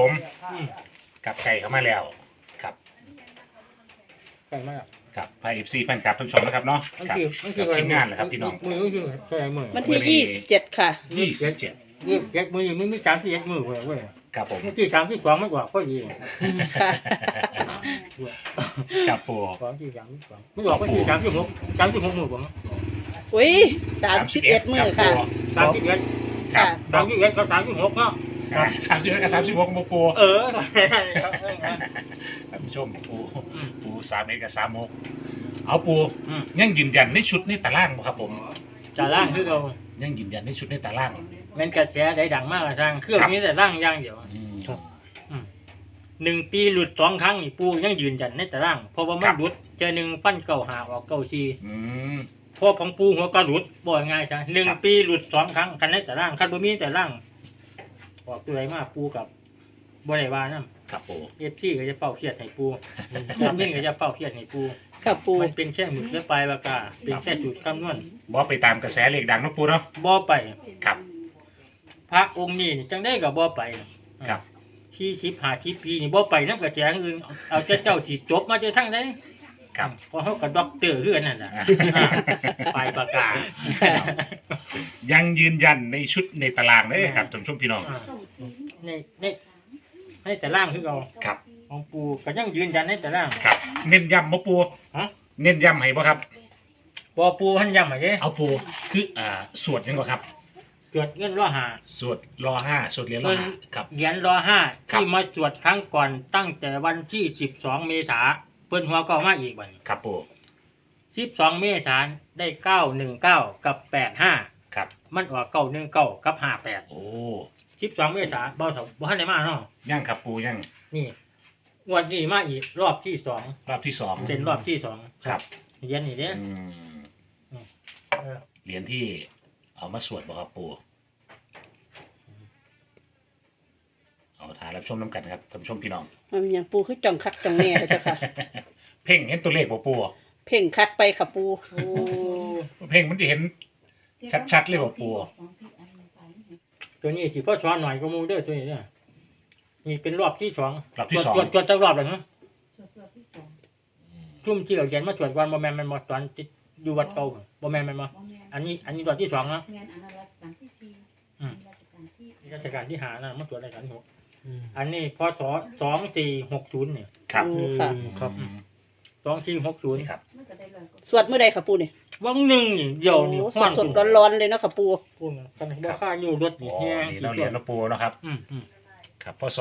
ผมกับไก่เข้ามาแล้วครับไก่มากกับไพเอฟซีแฟนคลับทุกชมนะครับเนาะมันกับคือทีมงานแหละครับพี่น้องมือคือใช่มือวันที่27ค่ะ 27 มือเก็บมือมือมี31มือเว้ยครับผมที่32ไม่กว่าก็ดีค่ะกับปู 2ที่32ไม่กว่าก็ที่36มือผมอุ้ย31มื้อค่ะ 31 ค่ะ 31กับ36เนาะ 31กับ36กับปู ท่านผู้ชมปู31กับ36เอาปูยังยืนยันในชุดในตารางบ่ครับผมจะล่างคือเรายังยืนยันในชุดในตารางมันกระแสได้ดังมากทางเครื่องนี้แต่ล่างอย่างเดียวครับ 1 ปีหลุด2 ครั้งนี่ปูยังยืนยันในตารางเพราะว่ามันหลุดเจอ1ฟันเก่าหาออกเก่าชีอืมพอของปูหัวกระหลุดบ่อยง่ายจ้ะ1 ปีหลุด2 ครั้งคันในตารางคันบ่มีแต่ล่างออกตัวไหนมาปูกับบ่ได้ว่านํครับปู FC ก็จะเฝ้าเครียดให้ปูคอมเมนต์ก็จะเฝ้าเครียดให้ปูค่ะปูมันเป็นแค่หมึกและปลายปากกาเป็นแค่จุดคำนวณบ่ไปตามกระแสเลขดังเนาะปูเนาะบ่ไปครับพระองค์นี้นี่จังได้ก็บ่ไปครับ 40 50 ปีนี่บ่ไปนำกระแสอื่นเอาแต่เจ้าสิจบมาจะทั้งใดครับเพราะเฮาก็ด็อกเตอร์คืออันนั้นน่ะปลายปากกายังยืนยันในชุดในตารางเด้อครับท่านผู้ชมพี่น้องในในแต่ล่างคือเราครับของปูก็ยังยืนยันในแต่ล่างครับ เน้นย้ำบ่ปูฮะเน้นย้ำให้บ่ครับบ่ปูเพิ่นย้ำให้เด้เอาปูคือสวดยังบ่ครับตรวจเงินรอหาสวดรอ5สวดเหรียญรอ5ครับเหรียญรอห้าครับที่มาตรวจครั้งก่อนตั้งแต่วันที่12 เมษาเพิ่นหัวก็มาอีกบัดนี้ครับปู 12 เมษายนได้919กับ85 ครับมันออก919กับ58 โอ้ 12 เมษายนบ่ทันได้มาเนาะยังครับปูยังนี่งวดนี้มาอีกรอบที่สองรอบที่สองเป็นรอบที่สองครับเหรียญนี่เด้อืมเออเหรียญที่เอามาสวดบ่ครับปูเอาถ่ายรับชมน้ำกันครับท่านผู้ชมพี่น้องมันเป็นหยังปูคือจ่องคักจ่องแน่เลยเจ้าค่ะเพ่งเห็นตัวเลขบ่ปูเพ่งคักไปค่ะปูโอ้เพ่งมันจะเห็นชัดๆเลยบ่ปูตัวนี้สิพ่อสอนหน่อยก็มูเด้อตัวนี้เนี่ยนี่เป็นรอบที่สองรอบที่สองตรวจจักรอบเลยฮะชุ่มที่เราเรียนมาตรวจวันบ่แม่นมันมาตอนติดอยู่วัดเก่าบ่แม่นมันมาอันนี้ตอนที่สองนะราชการที่หานะมาตรวจราชการที่หกอันนี้พศ2460เนี่ยครับโอ้ค่ะครับ 2460 ครับสวดมื้อใดค่ะปูนี่วังหนึ่งนี่เดี๋ยวนี่โอ้สดๆร้อนๆเลยเนาะค่ะปูพูดกันบ่ค่าอยู่รถอ๋นี่อแฮงนี่เราเรียนนะปูนะครับอืมครับพศ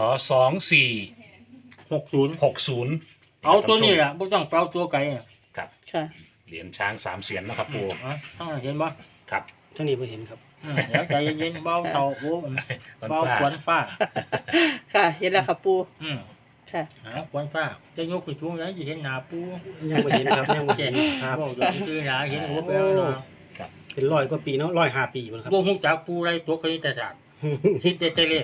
2460 60เอาตัวนี้ล่ะบ่ต้องเปล่าตัวไกลอ่ะครับค่ะเหรียญช้าง3เสียนนะครับปูทั้งนั้นเห็นบ่ครับทั้งนี้ไม่เห็นครับเดี๋ยวใจเย็นๆเบาเท่าโอ้ต้นเบาฟ้าขวนฟ้าค่ะ เห็นแล้วค่ะปู ค่ะขวนฟ้าจะยกขึ้นสูงแล้วสิเห็นหน้าปูยังไม่เห็นครับยังไม่แก่เห็นครับบ่อยู่ซื่อๆหน้าเห็นโอ้ไปแล้วเนาะเป็น100 กว่าปีเนาะ105 ปีมันครับบ่ฮู้จักปูไรตัวคณิตศาสตร์คิดแต่เลข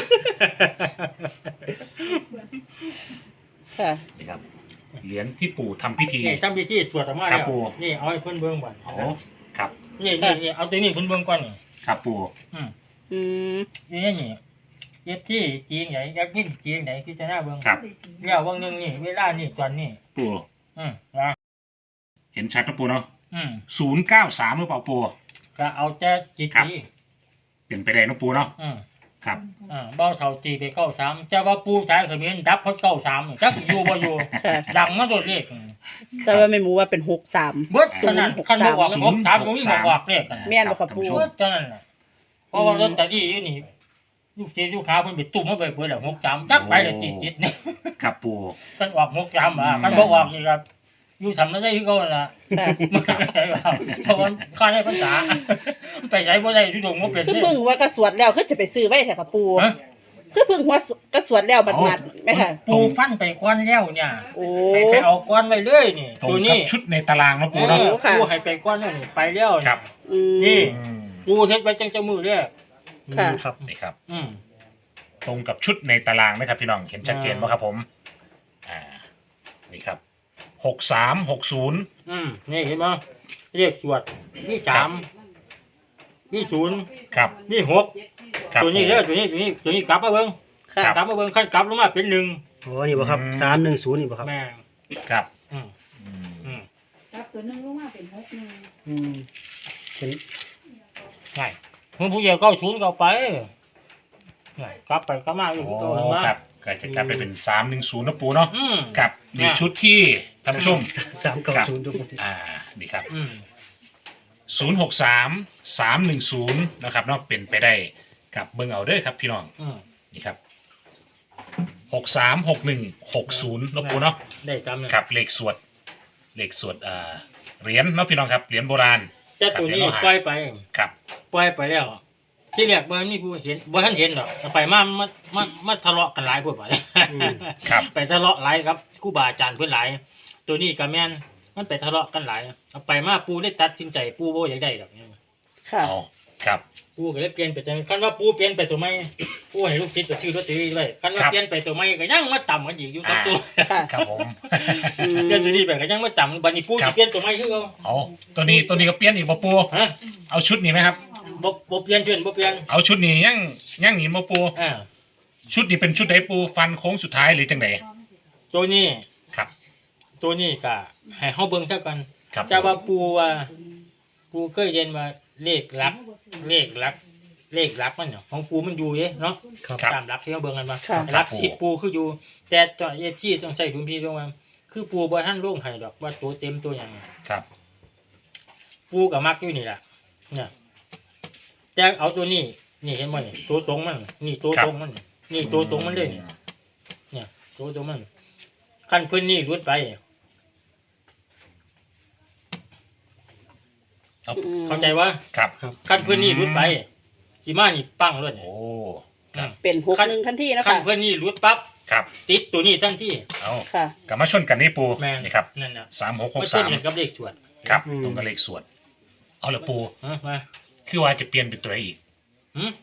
ค่ะนี่ครับเหรียญที่ปู่ทำพิธีนี่ทำพิธีสวดออกมาครัแล้บวปู่นี่เอาให้เพิ่นเบิ่งก่อนอ๋อครับนี่เอาตัวนี้เพิ่นเบิ่งก่อนนี่ครับปู่อืมนี่เย็บที่จีนไหนอยากกินจีนไหนพิจารณาเบิ่งครับแล้ววันหนึงนี่เวลานี่ตอนนี้ปู่นะเห็นชัดนะปู่เนาะอืม 093หรือเปล่าปู่ก็เอาแต่จีครับจีเปลี่ยนไปได้นะปู่เนาะอืมครับเบ้าเท่าจีไปเข้า3แต่ว่าปูชายเขมิ้นดับเขาเข้า3จักอยู่บ่อยู่ค่ะดังมาโดดเลขแต่ว่าไม่หมูว่าเป็น63 เบิดเท่านั้นคันบ่ออกมัน3บ่มีบ่ออกเลขกันแม่นบ่ครับปู่เบิดเท่านั้นน่ะเพราะว่าลอตเตอรี่อยู่นี่ลูกเจ้าลูกค้าเพิ่นไปตุ่มมาไปเบิดแล้ว63จักไปแล้วจิตนี่ครับปู่คันออก63คันบ่ออกนี่ครับอยู่ทำได้คือเก่านั่นล่ะค่ะเพราะว่าค่าได้ภาษาไปไหนบ่ได้ทุดงบ่เป็นคือเพิ่งว่ากระสวดแล้วคือจะไปซื้อไว้แท้ค่ะปูฮะคือเพิ่งว่ากระสวดแล้วบัดๆไหมค่ะปูฟันไปก้อนแล้วเนี่ยโอ้ให้ไปเอาก้อนไว้เลยนี่ตรงตัวกันี้บชุดในตารางนะปู่เนาะโอ้ค่ะปูให้ไปก้อนแล้วนี่ไปแล้วครับอืมนี่อืมปูเฮ็ดไว้จังจะมือแรกค่ะครับนี่ครับอืมตรงกับชุดในตารางไหมครับพี่น้องเห็นชัดเจนไหมครับผมนี่ครับ6360 นี่เห็นบ่เลขสวดมี3มี0 ครับมี6 ครับตัวนี้เด้อตัวนี้กลับมาเบิ่งค่ะครับกลับมาเบิ่งขั้นกลับลงมาเป็นหนึ่งอ๋อนี่บ่ครับ310นี่บ่ครับแม่งครับอืมอืมอืมครับตัวหนึงลงมาเป็น6 1 อืมเป็นง่ายเมื่อผู้ใหญ่เข้าศูนย์ก็เอาไปง่ายกลับไปกลับมาอยู่โอ้ที่ตัวเห็นไหมครับก็จะกลับไปเป็น310นะปูเนาะอืมกับนี่ชุดที่ท่านผู้ชม 390ทุกคนนี่ครับอืม 063 310นะครับเนาะเป็นไปได้กับเบิ่งเอาเด้อครับพี่น้องอืมนี่ครับ636160นะปูเนาะได้จำเนี่ยกับเลขสวดเหรียญเนาะพี่น้องครับเหรียญโบราณแต่ตัวนี้ครับปล่อยไปครับปล่อยไปแล้ว ที่แรกบ่มีผู้เห็นบ่ทันเห็นดอกไปมาทะเลาะกันหลายพวกบ่ครับไปทะเลาะหลายครับครูบาอาจารย์เพิ่นหลาย ตัวนี้ก็แม่นมันไปทะเลาะกันหลายเอาไปมาปูได้ตัดสินใจปูบ่อยากได้ดอกเนี่ยค่ะเอาครับปูก็เลยเปลี่ยนไปจังคันว่าปูเปลี่ยนไปตัวใหม่ปูให้ลูกศิษย์ก็ชื่อลอตเตอรี่ไว้คันว่าเปลี่ยนไปตัวใหม่ก็ยังมาต่ำกันอีกอยู่กับตัวค่ะครับผมเปลี่ยนตัวนี้ไปก็ยังมาต่ำบัดนี้ปูสิเปลี่ยนตัวใหม่คือเอาเอาตัวนี้ก็เปลี่ยนอีกบ่ปูฮะเอาชุดนี้ไหมครับบ่เปลี่ยนเพื่อนบ่เปลี่ยนเอาชุดนี้ยังหนีบ่ปูอ่าชุดนี้เป็นชุดไหนปูฟันโค้งสุดท้ายหรือจังไดตัวนี้ครับตัวนี้ก็ให้เฮาเบิ่งเท่ากันครับแต่ว่าปูเคยเรียนว่าเลขหลักมันเนาะของปูมันอยู่เด้เนาะครับครับตามหลักที่เราเบิ่งกันมาค่ะหลักสิบปูคืออยู่ แต่เจาะเอจี้ต้องใช้ดุลพินิจว่าคือปูบ่ทันลงให้ดอกว่าตัวเต็มตัวหยังครับปูก็มักอยู่นี่ล่ะเนี่ยแต่เอาตัวนี้นี่เห็นบ่นี่ตัวตรงมันนี่ตัวตรงมันนี่ตัวตรงมันเลยนี่เนี่ยตัวตรงมันคันเพิ่นนี่รุดไปเอาเข้าใจว่าครับคันเพิ่นนี่รุดไปสิมานี่ปังเลยโอ้เป็น61ทันทีนะคันคะเพิ่นนี่รุดปั๊บครับติดตัวนี้ทันทีเอาค่ะกลับมาชนกันนี่ปูแม่นนี่ครับนั่นน่ะ 3663 มันเส้นกันกับเลขสวดครับตรงกับเลขสวดเอาละปูมาคือว่าจะเปลี่ยนเป็นตัวไหนอีกหืม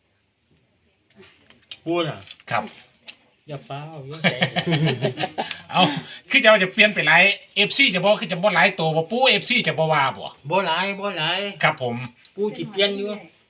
ปูน่ะครับอย่าเฝ้าอย่าใจเอาคือจะว่าจะเปลี่ยนไปหลาย FC จะบอกคือจะบ่หลายตัวบ่ปู FC จะบ่ว่าบ่บ่หลายครับผมปูสิเปลี่ยนอยู่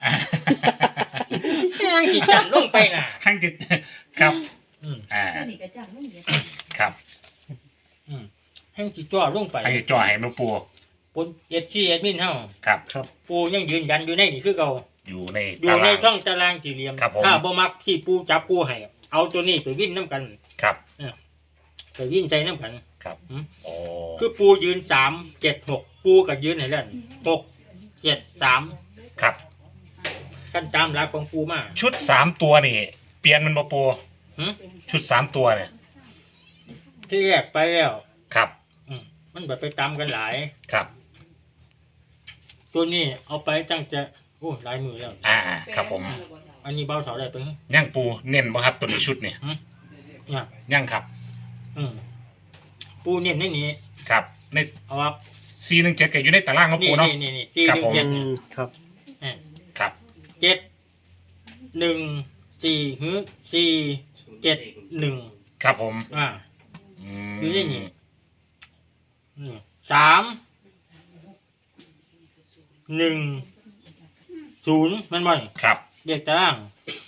แม่งสิจันลงไปน่ะข้างจิตครับอืมตัวนี้ก็จังลงเยอะครับอืมแห่งสิจ่อลงไปให้จ่อให้มาปูปูเอฟซีแอดมินเฮาครับครับปูยังยืนยันอยู่ในนี่คือเก่าอยู่ในอยู่ตาในรางช่องตารางสี่เหลี่ยมครับผมถ้าบ่มักที่ปูจับปูให้เอาตัวนี้ไปวิ่นน้ำกันครับไปวิ่นใจน้ำกันครับอืมโอ้คือปูยืน3-7-6ปูก็ยืนให้แล้ว6-7-3 ครับกันตามหลักของปูมาชุด3ตัวนี่ เปลี่ยนมันบ่ปูหึชุด3ตัวเนี่ยที่แรกไปแล้วครับมันแบบไปตามกันหลายครับตัวนี้เอาไปตั้งจะโอ้หลายมือแล้วครับผมอันนี้เบาเสาได้ไปย่างปูเน้นบ่ครับตัวนี้ชุดนี่เนี่ยย่างครับปูเนี่ยในนี้ครับในเอาว่า 417ก็อยู่ในตารางของนี่ปูเนาะนี่สี่ครับหนึ่งผมเจ็ดครับครับ 7-1-4ฮึ4-7-1 ครับผมอยู่ในนี้3-1-0มันบ่อยครับเรียกตาราง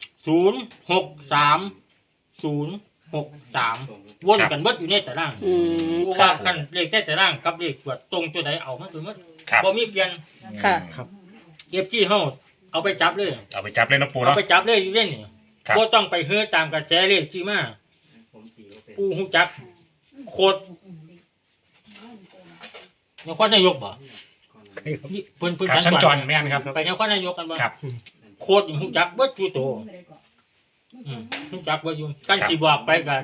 0-6-3-0-6-3วนกันเบิดอยู่ในตารางอืมเพราะค่ะว่าคันเลขแต่ตารางกับเลขตรวจตรงตัวใดเอามันตัวมันครับบ่มีเปลี่ยนค่ะครับเก็บจี้เฮาเอาไปจับเลยเอาไปจับเลยนะปูเอาเนาะไปจับเลยอยู่เล่นนี่ครับบ่ต้องไปเฮือตามกระแสเลขจี้มาปูฮู้จักโคตรนครนายกบ่นี่เพิ่นครับชั้นจรแม่นครับไปนครนายกกันบ่ครับโคตรนี่ฮู้จักเบิดทุกตัวฮู้จักเบิดอยู่กันสิบอกไปกัน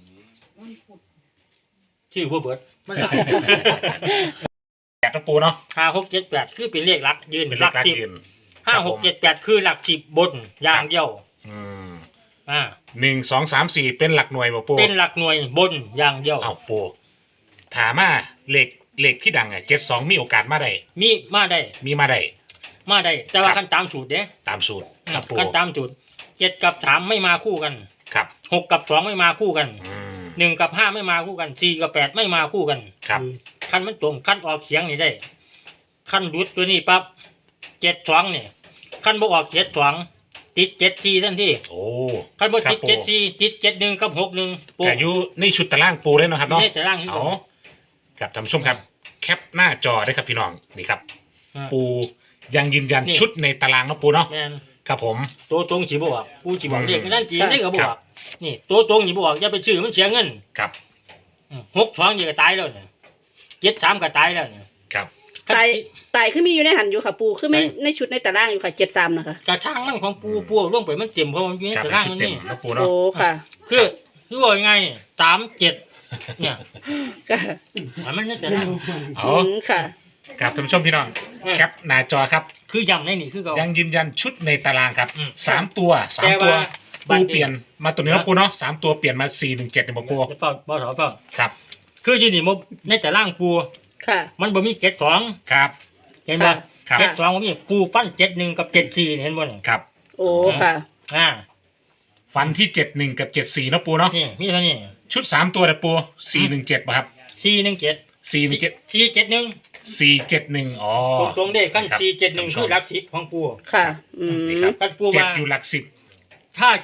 ชื่อบ่เบิดมันหลายแปดนะปูเนาะ 5-6-7-8คือเป็นเลขหลักยืนเป็นหเลลัขกลักสิบยืน 5-6-7-8คือหลักสิบบนอย่างเดียวอืมอ่า 1 2 3 4เป็นหลักหน่วยบ่ปูเป็นหลักหน่วยบนอย่างเดียวเอาปูถามมาเลขที่ดัง72มีโอกาสมาได้มีมาได้มีมาได้แต่ว่าครับขั้นตามสูตรเด้ตามสูตรครับปูขั้นตามสูตร7 กับ 3ไม่มาคู่กันครับ 6 กับ 2ไม่มาคู่กันอืม 1 กับ 5ไม่มาคู่กัน4 กับ 8ไม่มาคู่กันครับขั้นมันตรงขั้นออกเสียงนี่ได้ขั้นรุดตัวนี้ปั๊บ7-2นี่ขั้นบ่ออก7-2 ติด7-4ทันทีโอ้คันบ่ครับติดปู 7-4ติด7-1กับ6-1ปูแต่อยู่ในชุดตารางปูเลยเนาะครับเนาะนี่แต่ล่างที่เอากับท่านผู้ชมครับ แคปหน้าจอได้ครับพี่น้องนี่ครับ ปูยังยืนยันนี่ชุดในตารางเนาะปูเนาะแม่นครับผมตัวตรงสิบอกปูสิบอกอืมเลขนั่นจริงได้ก็บครัอบ กนี่ตัวตรงสิบอกอย่าไปชื่อมันเสียเงินครับ 6-2นี่ก็ตายแล้วเนี่ย7-3ก็ตายแล้วเนี่ยครับตายคือมีอยู่ในหันอยู่ค่ะ ปูคือไม่ใช่ในชุดในตารางอยู่ค่ะ73นะคะกระช่างมันของปูลงไปมันเต็มเพราะมันอยู่ในครับตารางชุมัดนเต็มนี่เนาะปูเนาะโอ้ค่ะคือว่ายังไง3-7เนี่ยค่ะมันในตารางเอาค่ะกับท่านผู้ชมพี่น้องอืมแคปหน้าจอครับคือย้ำในนี่คือเขายังยืนยันชุดในตารางครับอืมสามตัวสามแต่ตัวว่าบัปูดนี้เปลี่ยนมาตัวนี้เนาะปูเนาะสามตัวเปลี่ยนมา417เนี่ยบ่ปูเปล่าบ่ถอเปล่าครับคืออยู่นี่มันในตารางปูค่ะมันบ่มี7-2 ครับเห็นบ่ครับ 7-2บ่มีปูปั้น7-1กับ7-4เห็นบ่นี่ครับโอ้ค่ะอ่าฟันที่71กับ74เนาะปูเนาะนี่มีเท่านี้ชุด3ตัวนะปู417ป่ะครับ 417 417 471 471อ๋อตรงๆเด้กันครับ 471คือหลัก10ของปูค่ะ อืมนี่ครับกันปูเจ็ดว่าอยู่หลักสิบถ้า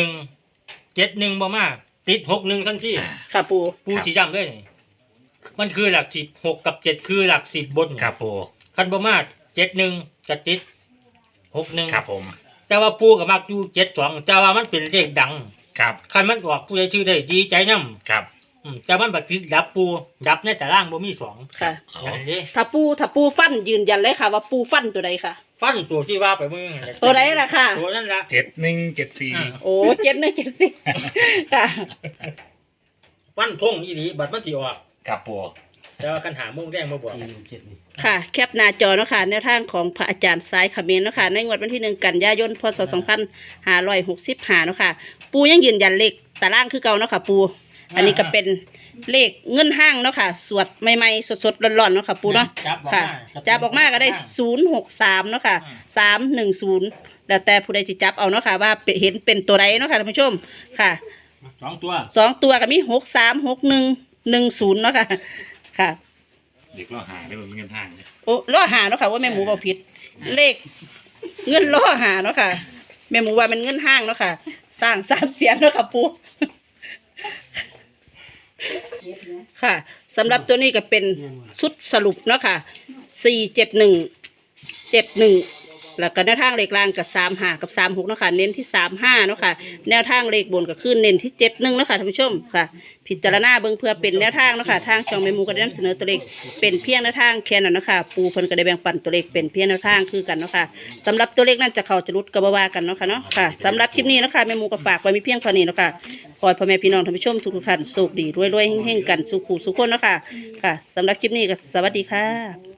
71บ่มาติด61ทันทีค่ะปูปูสิย้ำเลยนี่มันคือหลัก10 6กับ7คือหลัก10บนครับปูคันบ่มา71จะติด61 ครับผมแต่ว่าปูก็มักอยู่72แต่ว่ามันเป็นเลขดังครับคันมันออกผู้ใดชื่อได้ดีใจนำครับแต่มันบักติดดับปูดับในตารางบ่มี2 ค่ะเอาอย่างนี้ถ้าปูฟันยืนยันเลยค่ะ ว่าปูฟันตัวใดค่ะฟันตัวที่ว่าไปเมื่อกี้ตัวใดล่ะค่ะตัวนั้นละ 7174 โอ้7170ค่ะฟันทงอีหลีบัดมันสิออกครับปูแต่ว่าคันหาโมงแดงมาบอกค่ะ แคปหน้าจอเนาะค่ะแนวทางของพระอาจารย์สายเขมรเนาะค่ะในงวดวันที่1 กันยายน พศ 2565เนาะค่ะ ปูยังยืนยันเลขตารางคือเก่าเนาะค่ะ ปู อันนี้ก็เป็นเลขเงินห้างเนาะค่ะ สวดใหม่ๆสดๆร้อนๆเนาะค่ะ ปูเนาะ ค่ะจับออกมาก็ได้063เนาะค่ะ310แล้วแต่ผู้ใดจะจับเอาเนาะค่ะว่าเห็นเป็นตัวใดเนาะค่ะท่านผู้ชมค่ะ 2 ตัว 2 ตัวก็มี636110เนาะค่ะ ค่ะเด็กเราหาได้เป็นเงินทางเนี่ยโอ้ล่อหาเนาะค่ะว่าแม่หมูเบาผิด เลขเงินล่อหาเนาะค่ะ แม่หมูว่ามันเงินห้างเนาะค่ะ สร้าง3เสียนเนาะค่ะปูค่ะสำหรับตัวนี้ก็เป็นชุดสรุปเนาะค่ะ47171แล้วก็แนวทางเลขล่างกับ35กับ36เนาะค่ะเน้นที่35เนาะค่ะแนวทางเลขบนก็คือเน้นที่71เนาะค่ะท่านผู้ชมค่ะ พิจารณาเบิ่งเพื่อเป็นแนวทางเนาะค่ะทางช่องแม่หมูก็ได้นำเสนอตัวเลขเป็นเพียงแนวทางแค่นั้นเนาะค่ะปูเพิ่นก็ได้แบ่งปันตัวเลขเป็นเพียงแนวทางคือกันเนาะค่ะสำหรับตัวเลขนั้นจะเข้าจะรุดก็บ่ว่ากันเนาะค่ะเนาะค่ะสำหรับคลิปนี้เนาะค่ะแม่หมูก็ฝากไว้มีเพียงเท่านี้เนาะค่ะขอให้พ่อแม่พี่น้องท่านผู้ชมทุกท่านโชคดีรวยๆเฮงๆกันสุขุสุขคนเนาะค่ะค่ะสำหรับคลิปนี้ก็สวัสดีค่ะ